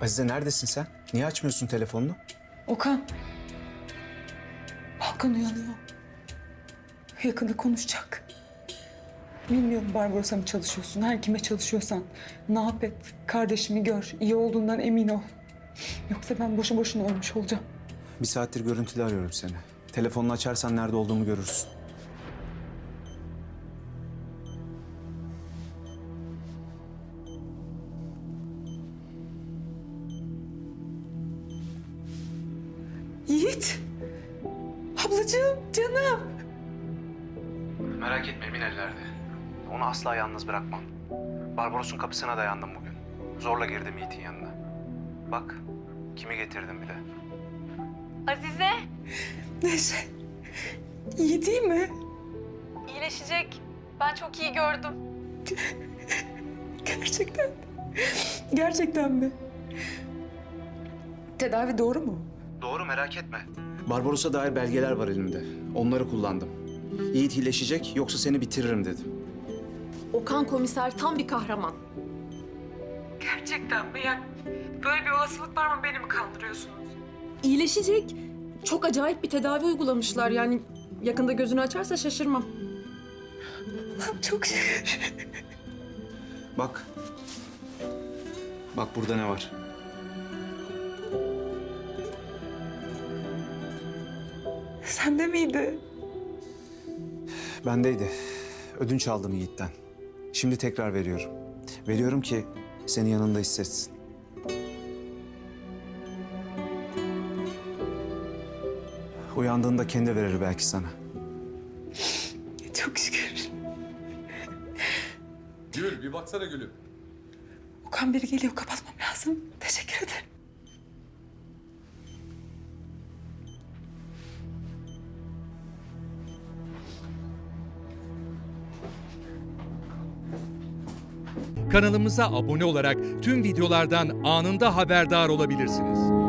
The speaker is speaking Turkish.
Azize neredesin sen? Niye açmıyorsun telefonunu? Okan. Hakan uyanıyor. Yakında konuşacak. Bilmiyorum Barbaros'a mı çalışıyorsun, her kime çalışıyorsan. Ne yap et, kardeşimi gör, iyi olduğundan emin ol. Yoksa ben boşu boşuna ölmüş olacağım. Bir saattir görüntülü arıyorum seni. Telefonunu açarsan nerede olduğumu görürsün. Yiğit! Ablacığım, canım! Merak etme, emin ellerde. Onu asla yalnız bırakmam. Barbaros'un kapısına dayandım bugün. Zorla girdim Yiğit'in yanına. Bak, kimi getirdim bile. Azize, Neşe, iyi değil mi? iyileşecek. Ben çok iyi gördüm. Gerçekten. Gerçekten mi? Tedavi doğru mu? Doğru, merak etme. Barbaros'a dair belgeler var elimde. Onları kullandım. Yiğit iyileşecek, yoksa seni bitiririm dedim. Okan komiser tam bir kahraman. Gerçekten mi? Yani böyle bir olasılık var mı, beni mi kandırıyorsunuz? İyileşecek. Çok acayip bir tedavi uygulamışlar. Yani yakında gözünü açarsa şaşırmam. Allah'ım çok şükür. Bak. Bak burada ne var? Sende miydi? Bendeydi. Ödünç aldım Yiğit'ten. Şimdi tekrar veriyorum. Veriyorum ki seni yanında hissetsin. Uyandığında kendi verir belki sana. Çok şükür. Gül bir baksana Gül'üm. Okan biri geliyor, kapatmam lazım. Teşekkür ederim. Kanalımıza abone olarak tüm videolardan anında haberdar olabilirsiniz.